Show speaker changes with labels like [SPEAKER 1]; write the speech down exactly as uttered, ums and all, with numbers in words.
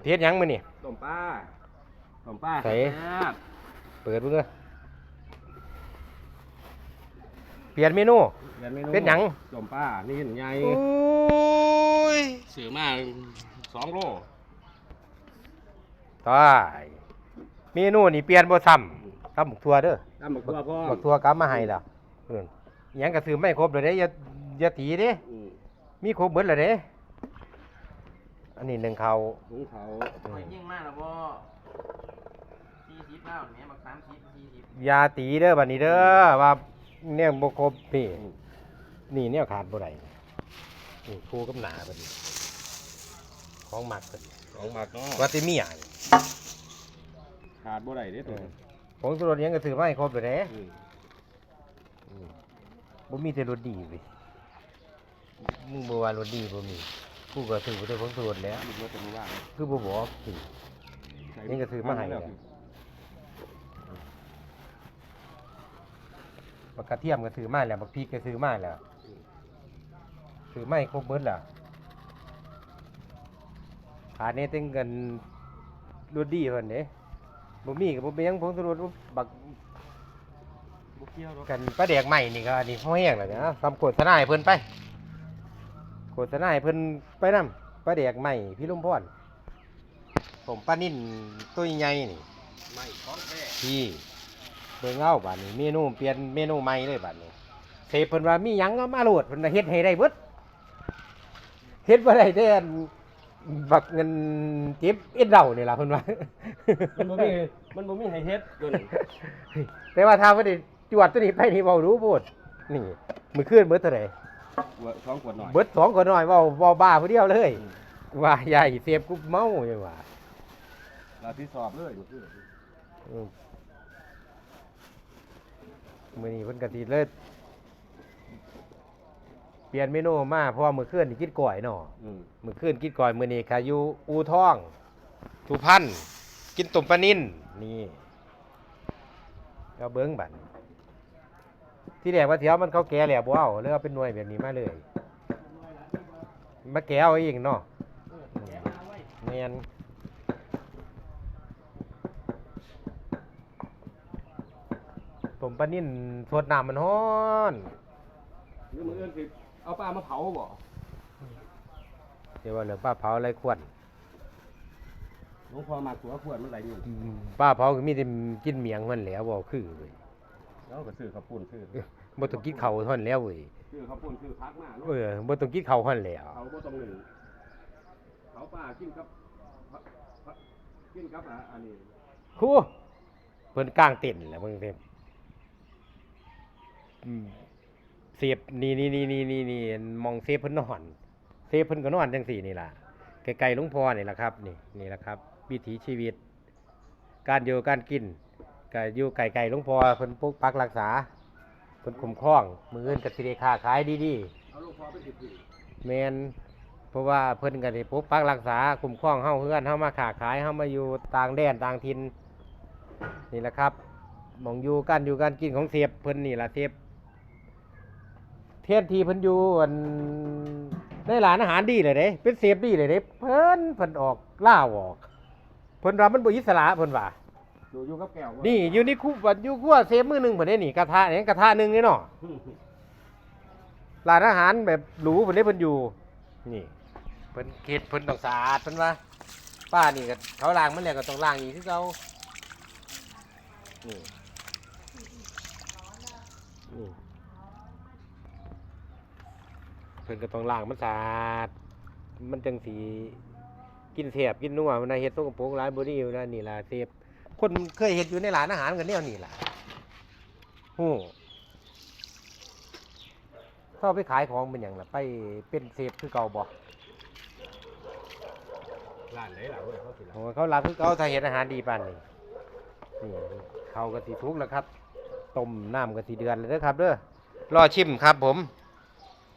[SPEAKER 1] เฮ็ดหยังมื้อนี่
[SPEAKER 2] ต้มปลาต้มปลา
[SPEAKER 1] ใส่เปิดเบิ่งเด้อเปลี่ยนเมนูเป็นหยัง
[SPEAKER 2] ต้มปลานี่ใหญ่
[SPEAKER 1] โอ้ย
[SPEAKER 2] ซื้อมาสองโล
[SPEAKER 1] ตายเมนูนี่เปลี่ยนบ่ซ้ำกับหมกทั่วเด้อ
[SPEAKER 2] กับหมกทั่วพ่อ
[SPEAKER 1] หมกทั่วกลับมาให้แล้วเพิ่นหยังก็ซื้อไม่ครบเลยเด้อย่าอย่าตีเด้มีครบเบิดแล้วเด้อันนี้หนึ่งเขา
[SPEAKER 2] หุงเขา
[SPEAKER 3] ไปยิ่งมากแล้วบ่สี่สิบแล้วเนี่ยบักสามสิบสี่สิบ
[SPEAKER 1] อย่าตีเด้อบัดนี้เด้อว่าเนี่ยบ่ครบนี่นี่เนี่ยขาดบ่ได้นี่คู่กับหนาบัดนี้ของหมักเพิ่น
[SPEAKER 2] ของหมักเนาะ
[SPEAKER 1] ว่าสิมีหยัง
[SPEAKER 2] ขาดบ่ได้เด้อตัว
[SPEAKER 1] ผงชูรสยังก็ซื้อมาให้ครบเลยเด้บ่มีแต่รสดีเว้ยมึงบ่ว่ารสดีบ่มีกูก็ซื้อบ่ได้ผงชูรสแล้วคือบ่บอกสิยังก็ซื้อมาให้แล้วบักกระเทียมก็ซื้อมาแล้วบักพริกก็ซื้อมาแล้วซื้อมาให้ครบเบิดแล้วขาดนี่ตึงกันรสดีเพิ่นเด้บ่มีก็บ่เป็นหยังผงชูรสบักกันปลาแดกใหม่นี่ก็นี่พอแห้งแล้วนะทำโฆษณาให้เพิ่นไปโฆษณาให้เพิ่นไปนำปลาแดกใหม่พี่ลุงพรผมปลานิ่นตัวใหญ่นี่
[SPEAKER 2] ใหม่ของแท้
[SPEAKER 1] พี่เบิ่งเอาบัดนี้เมนูเปลี่ยนเมนูใหม่เลยบัดนี้เสพเพิ่นว่ามีหยังก็มาโหลดเพิ่นเฮ็ดให้ได้เบิดเฮ็ดบ่ได้แต่บักเงินเจ็บเอ็ดเดานี่ล่ะเพิ่นว่า
[SPEAKER 2] มันบ่มีมันบ่มีให้เฮ็ดตัวนี้
[SPEAKER 1] แต่ว่าถ้าบ่ได้จวดตัวนี้ไปนี่เว้ารู้โพดนี่มื้อคืนเบิดเท่าใด
[SPEAKER 2] สองขวดหน่อย
[SPEAKER 1] เบิดสองขวดหน่อยเว้าเว้าบ้าผู้เดียวเลยว่าใหญ่เสพกูเมาจังว่า
[SPEAKER 2] เราที่สอบเลย
[SPEAKER 1] อือมื้อนี้เพิ่นก็สิเลยเปลี่ยนเมนูมาเพราะว่ามื้อคืนนี่กินก้อยเนาะอือมื้อคืนกินก้อยมื้อนี้ค่ะอยู่อู่ทองสุพรรณกินต้มปลานิ่นนี่เอาเบิ่งบัดที่แรกว่าสิเอามันเขาแก่แล้วบ่เอาเลยเอาเป็นหน่วยแบบนี้มาเลยมาแก่เอาเองเนาะแม่นต้มปลานิ่นสดน้ำมันร้อน
[SPEAKER 2] หรือมื้ออื่นสิเอาปลามาเผาบ่
[SPEAKER 1] เดี๋ยวว่าเหลือปลาเผาอะไรควร
[SPEAKER 2] หลวงพ่อมาตัวขวดมันไหลอยู่
[SPEAKER 1] ปลาเผาก็มีแต่กินเมียงมันแหล้วบ่คือเว้ย
[SPEAKER 2] แล้วก็ซื้อข้าวปุ้นซื้อ
[SPEAKER 1] บ่ต้องกินข้าวท่อนแล้วเว้ย
[SPEAKER 2] ซื้อข้าวปุ้นซื้อผักมา
[SPEAKER 1] เออบ่ต้องกินข้าวท่อนแล้ว
[SPEAKER 2] เขาบ่ต้องหนึ่งเขาปลากินกับกินกับอันนี้
[SPEAKER 1] ครูเพิ่นกลางเต็นท์แหละเบิ่งเต็มอืมเสียบนี่ๆๆๆๆมองเซฟเพิ่นนอนเซฟเพิ่นก็นอนจังซี่นี่ล่ะไกลๆหลวงพ่อนี่ล่ะครับนี่นี่ล่ะครับวิถีชีวิตการอยู่การกินก็อยู่ไกลๆหลวงพ่อเพิ่นปกปักรักษาเพิ่นคุ้มครองมื้ออื่นก็สิได้ค้าขายดี
[SPEAKER 2] ๆเอาหลวงพ่อไปสิบ
[SPEAKER 1] แม่นเพราะว่าเพิ่นก็ได้ปกปักรักษาคุ้มครองเฮาเฮือนเฮามาค้าขายเฮามาอยู่ต่างแดนต่างถิ่นนี่แหละครับหม่องอยู่การอยู่การกินของเสียบเพิ่นนี่ล่ะเสียบเทียนทีเพิ่นอยู่อันในร้านอาหารดีเลยเด้เป็นเสียบดีเลยเด้เพิ่นเพิ่นออกล่าออกเพิ่นว่ามันบ่อิสระเพิ่นว่า
[SPEAKER 2] อยู่อยู่กับแก้ว
[SPEAKER 1] นี่อยู่ในคุบัดอยู่คั่วเซฟมื้อนึงเพิ่นได้นี่กระทะนี่กระทะนึงนี่เนาะร้านอาหารแบบหรูเพิ่นได้เพิ่นอยู่นี่เพิ่นเฮ็ดเพิ่นต้องสะอาดเพิ่นว่าป้านี่ก็เขาล้างมันแล้วก็ต้องล้างอีกคือเก่านี่นี่เพิ่นก็ต้องล้างมันสะอาดมันจังสิกินแซ่บกินนัวมันน่ะเฮ็ดสกปรกหลายบ่ดีอยู่นะนี่ล่ะเซฟคนเคยเห็นอยู่ในร้านอาหารกันแนวนี้ล่ะโอ้เข้าไปขายของเป็นอย่างล่ะไปเป็นเซฟคือเก่าบ่
[SPEAKER 2] ร้านไหนล่ะเว้ยเขาสิล่ะ
[SPEAKER 1] โอ้เขารับคือเก่าถ้าเห็นอาหารดีปานนี้นี่เขาก็สิทุกข์แล้วครับต้มน้ำก็สิเดือนเลยเด้อครับเด้อรอชิมครับผม